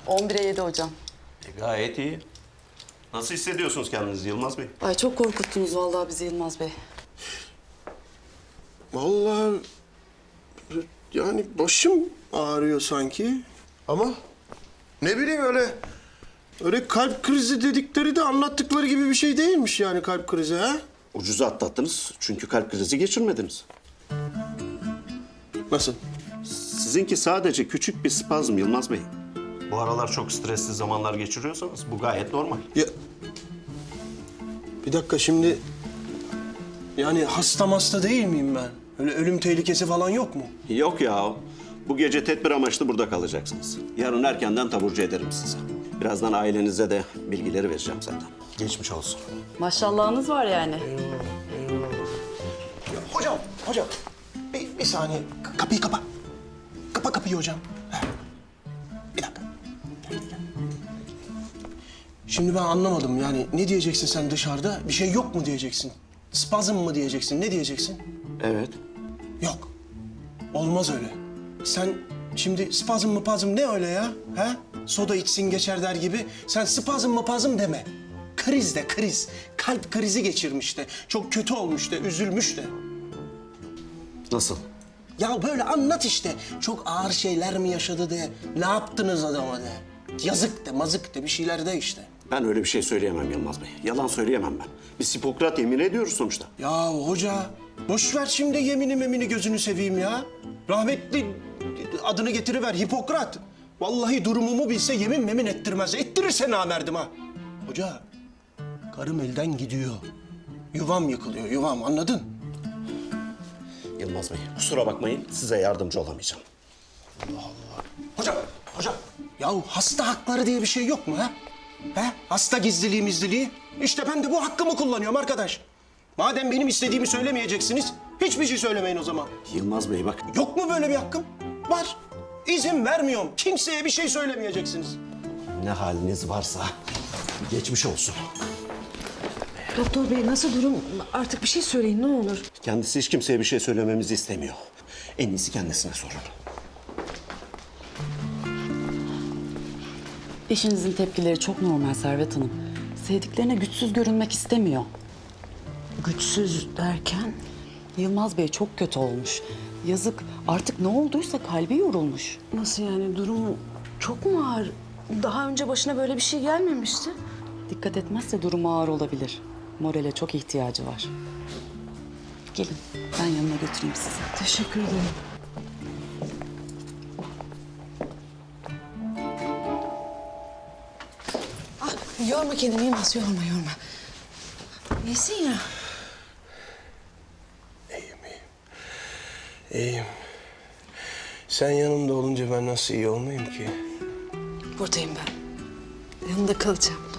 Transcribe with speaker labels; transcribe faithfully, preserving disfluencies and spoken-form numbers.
Speaker 1: on bire yedi hocam.
Speaker 2: E, gayet iyi. Nasıl hissediyorsunuz kendinizi Yılmaz Bey?
Speaker 1: Ay çok korkuttunuz vallahi bizi Yılmaz Bey.
Speaker 3: Vallahi yani başım ağrıyor sanki. Ama ne bileyim öyle öyle kalp krizi dedikleri de anlattıkları gibi bir şey değilmiş yani kalp krizi ha?
Speaker 2: Ucuza atlattınız çünkü kalp krizi geçirmediniz.
Speaker 3: Nasıl?
Speaker 2: Sizinki sadece küçük bir spazm Yılmaz Bey. Bu aralar çok stresli zamanlar geçiriyorsanız bu gayet normal.
Speaker 3: Ya bir dakika şimdi yani hasta hasta değil miyim ben? Öyle ölüm tehlikesi falan yok mu?
Speaker 2: Yok ya. Bu gece tedbir amaçlı burada kalacaksınız. Yarın erkenden taburcu ederim sizi. Birazdan ailenize de bilgileri vereceğim zaten. Geçmiş olsun.
Speaker 1: Maşallahınız var yani.
Speaker 3: Ya hocam, hocam bir, bir saniye K- kapıyı kapa. Kapa kapıyı hocam. Heh. Bir dakika. Gel, gel. Şimdi ben anlamadım yani ne diyeceksin sen dışarıda? Bir şey yok mu diyeceksin? Spazm mı diyeceksin? Ne diyeceksin?
Speaker 2: Evet.
Speaker 3: Yok. Olmaz öyle. Sen şimdi spazm mı pazm ne öyle ya? Ha? Soda içsin geçer der gibi. Sen spazm mı pazm deme. Kriz de kriz. Kalp krizi geçirmiş de. Çok kötü olmuş de, üzülmüş de.
Speaker 2: Nasıl?
Speaker 3: Ya böyle anlat işte. Çok ağır şeyler mi yaşadı de. Ne yaptınız adama de. Yazık de, mazık de bir şeyler de işte.
Speaker 2: Ben öyle bir şey söyleyemem Yılmaz Bey. Yalan söyleyemem ben. Biz Hipokrat yemin ediyoruz sonuçta.
Speaker 3: Ya hoca, boş ver şimdi yemini memini gözünü seveyim ya. Rahmetli adını getiriver Hipokrat. Vallahi durumumu bilse yemin memin ettirmez. Ettirirse namerdim ha. Hoca, karım elden gidiyor. Yuvam yıkılıyor, yuvam anladın?
Speaker 2: Yılmaz Bey, kusura bakmayın. Size yardımcı olamayacağım.
Speaker 3: Hocam, hocam. Yahu hasta hakları diye bir şey yok mu ha? He? Hasta gizliliği mizliliği. İşte ben de bu hakkımı kullanıyorum arkadaş. Madem benim istediğimi söylemeyeceksiniz, hiçbir şey söylemeyin o zaman.
Speaker 2: Yılmaz Bey bak.
Speaker 3: Yok mu böyle bir hakkım? Var. İzin vermiyorum. Kimseye bir şey söylemeyeceksiniz.
Speaker 2: Ne haliniz varsa geçmiş olsun.
Speaker 4: Doktor bey nasıl durum? Artık bir şey söyleyin ne olur.
Speaker 2: Kendisi hiç kimseye bir şey söylememizi istemiyor. En iyisi kendisine sorun.
Speaker 1: Eşinizin tepkileri çok normal Servet Hanım. Sevdiklerine güçsüz görünmek istemiyor.
Speaker 4: Güçsüz derken?
Speaker 1: Yılmaz Bey çok kötü olmuş. Yazık artık ne olduysa kalbi yorulmuş.
Speaker 4: Nasıl yani durumu çok mu ağır? Daha önce başına böyle bir şey gelmemişti.
Speaker 1: Dikkat etmezse durumu ağır olabilir. Morale çok ihtiyacı var. Gelin ben yanına götüreyim sizi.
Speaker 4: Teşekkür ederim. Ah, yorma kendini Yılmaz, yorma yorma. İyisin ya.
Speaker 3: İyiyim. Sen yanımda olunca ben nasıl iyi olmayayım ki?
Speaker 4: Buradayım ben. Yanında kalacağım.